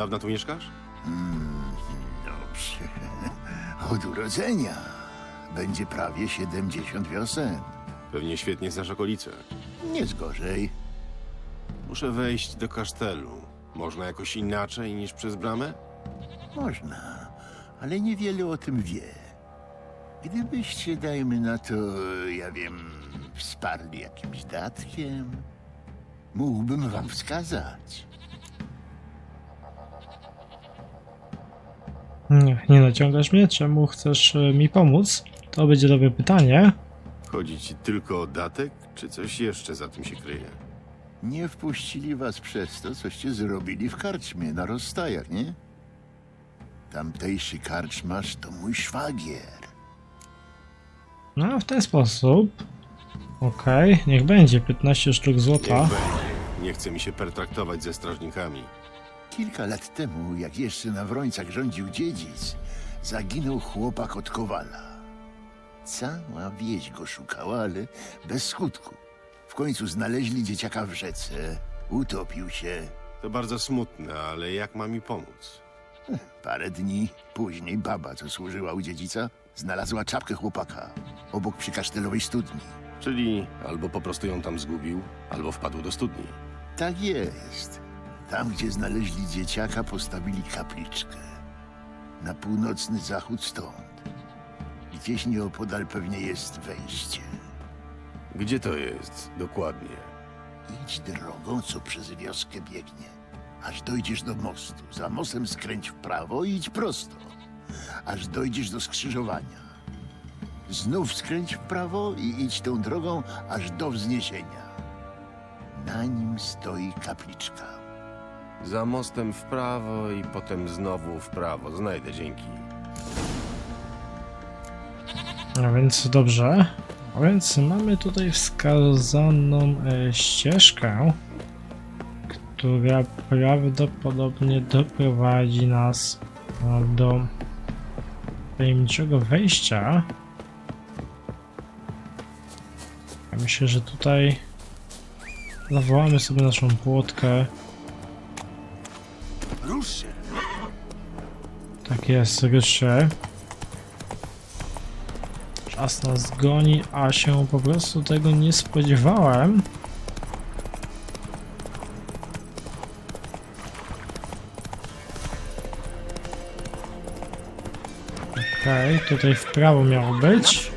dawna tu mieszkasz? Dobrze. Od urodzenia. Będzie prawie 70 wiosen. Pewnie świetnie znasz okolice. Nic gorzej. Muszę wejść do kasztelu. Można jakoś inaczej niż przez bramę? Można, ale niewiele o tym wie. Gdybyście, dajmy na to, ja wiem, wsparli jakimś datkiem, mógłbym wam wskazać. Nie naciągasz mnie? Czemu chcesz mi pomóc? To będzie dobre pytanie. Chodzi ci tylko o datek, czy coś jeszcze za tym się kryje? Nie wpuścili was przez to, coście zrobili w karczmie na rozstajach, nie? Tamtejszy karczmarz to mój szwagier. No, w ten sposób. Okej, niech będzie 15 sztuk Niech złota. będzie. Nie chce mi się pertraktować ze strażnikami. Kilka lat temu, jak jeszcze na Wrońcach rządził dziedzic, zaginął chłopak od Kowala. Cała wieś go szukała, ale bez skutku. W końcu znaleźli dzieciaka w rzece, utopił się. To bardzo smutne, ale jak ma mi pomóc? Parę dni później baba, co służyła u dziedzica, znalazła czapkę chłopaka obok przykasztelowej studni. Czyli albo po prostu ją tam zgubił, albo wpadł do studni. Tak jest. Tam, gdzie znaleźli dzieciaka, postawili kapliczkę. Na północny zachód stąd. Gdzieś nieopodal pewnie jest wejście. Gdzie to jest dokładnie? Idź drogą, co przez wioskę biegnie. Aż dojdziesz do mostu. Za mostem skręć w prawo i idź prosto. Aż dojdziesz do skrzyżowania. Znów skręć w prawo i idź tą drogą aż do wzniesienia. Na nim stoi kapliczka. Za mostem w prawo i potem znowu w prawo. Znajdę, dzięki. A więc dobrze. A więc mamy tutaj wskazaną ścieżkę, która prawdopodobnie doprowadzi nas do tajemniczego wejścia. Ja myślę, że tutaj zawołamy sobie naszą płotkę. Rusz się! Tak jest, ryszy. Czas nas goni, a się po prostu tego nie spodziewałem. Okej, tutaj w prawo miało być.